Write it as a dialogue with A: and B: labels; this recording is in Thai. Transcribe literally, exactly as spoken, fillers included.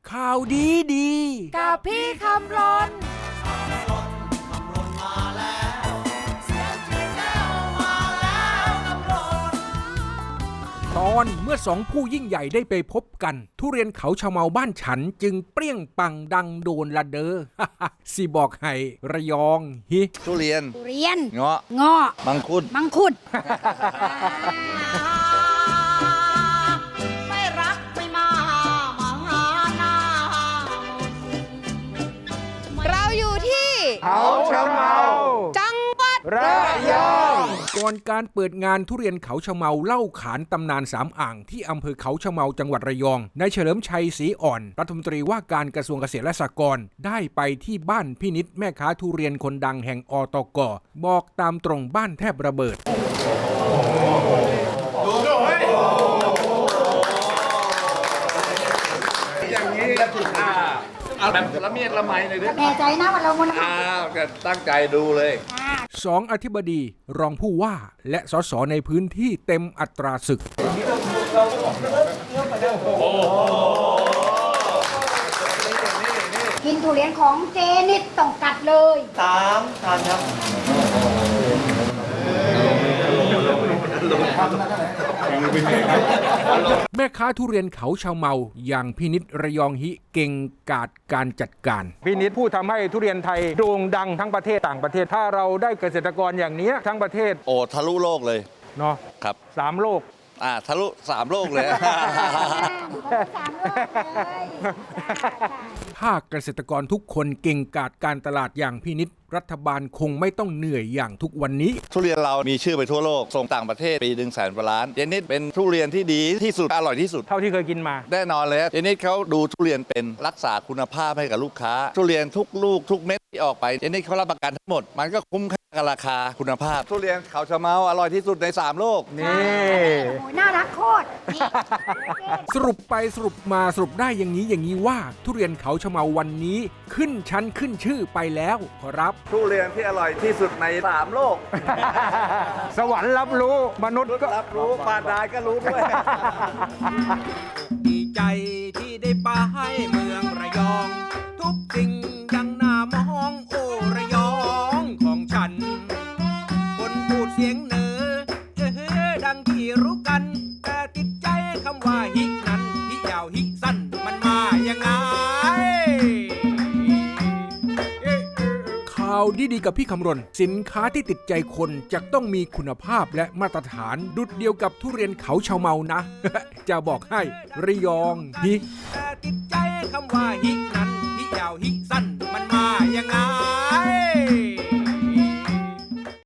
A: ข่าวดีดี
B: กับพี่คำรน
A: ตอนเมื่อสองผู้ยิ่งใหญ่ได้ไปพบกันทุเรียนเขาชะเมาบ้านฉันจึงเปรี้ยงปังดังโดนละเดอ สิบอกให้ระยองฮิ
C: ทุเรียน
B: ทุเรียน
C: เงาะ
B: เงาะ
C: มังคุด
B: มังคุด
D: ไม่รักไม่มามาหาหน้า
B: เราอยู่ที่
E: เขาชะเมา
B: จังหวัด
E: ระยอง
A: ก่อนการเปิดงานทุเรียนเขาชะเมาเล่าขานตำนานสามอ่างที่อำเภอเขาชะเมาจังหวัดระยองนายเฉลิมชัยศรีอ่อนรัฐมนตรีว่าการกระทรวงเกษตรและสหกรณ์ได้ไปที่บ้านพี่นิดแม่ค้าทุเรียนคนดังแห่งอตกบอกตามตรงบ้านแทบระเบิด
C: อย่างนี้ก็ถูกอ่าเอาแบบละเมียดละไมเลยด้วย
B: แน่ใจนะว่าเรามัน
C: อ้าวก็ตั้งใจดูเลย
A: สองอธิบดีรองผู้ว่าและสสในพื้นที่เต็มอัตราศึก
B: กินทุเรียนของเจนิดต้องกัดเลย
E: สามทานครับ
A: แม่ค้าทุเรียนเขาชาวเมาอย่างพี่นิดระยองฮิเก่งกาจการจัดการ
E: พี่นิดผู้ทำให้ทุเรียนไทยโด่งดังทั้งประเทศต่างประเทศถ้าเราได้เกษตรกรอย่างนี้ทั้งประเทศ
C: โอ้ทะลุโลกเลย
E: เนาะ
C: ครับ
E: สามโลก
C: อ่าทะลุสามโลกเลย
A: ถ้าเกษตรกรทุกคนเก่งกาจการตลาดอย่างพี่นิดรัฐบาลคงไม่ต้องเหนื่อยอย่างทุกวันนี้
C: ทุเรียนเรามีชื่อไปทั่วโลกส่งต่างประเทศปีหนึ่งแสนกว่าล้านเจนิดเป็นทุเรียนที่ดีที่สุดอร่อยที่สุด
E: เท่าที่เคยกินมา
C: แน่นอนเลยเจนิดเขาดูทุเรียนเป็นรักษาคุณภาพให้กับลูกค้าทุเรียนทุกลูกทุกเม็ดที่ออกไปเจนิดเขารับประกันทั้งหมดมันก็คุ้มค่ากับราคาคุณภาพทุเรียนเขาชะเมาอร่อยที่สุดในสามโลก
E: นี่
B: โอ้ยน่ารักโคตร
A: สรุปไปสรุปมาสรุปได้อย่างนี้อย่างนี้ว่าทุเรียนเขาชะเมาวันนี้ขึ้นชั้นขึ้นชื่อไปแล้วครับ
C: ทุเรียนที่อร่อยที่สุดในสามโลก
E: สวรรค์รับรู้มนุษย์ก็
C: รับรู้ปาดายก็รู้ด้วย
A: ดีใจที่ได้ไปเมืองระยองทุกสิ่งยังน่ามองโอ้ระยองของฉันคนพูดเสียงเหนือเออดังที่รู้กันแต่ติดใจคำว่าฮินั้นฮิยาวฮิสั้นมันมายังไงข่าวดีๆกับพี่คำรณสินค้าที่ติดใจคนจะต้องมีคุณภาพและมาตรฐานดุจเดียวกับทุเรียนเขาชาวเมานะ จะบอกให้ระยองฮิแต่ติดใจคำว่าฮิ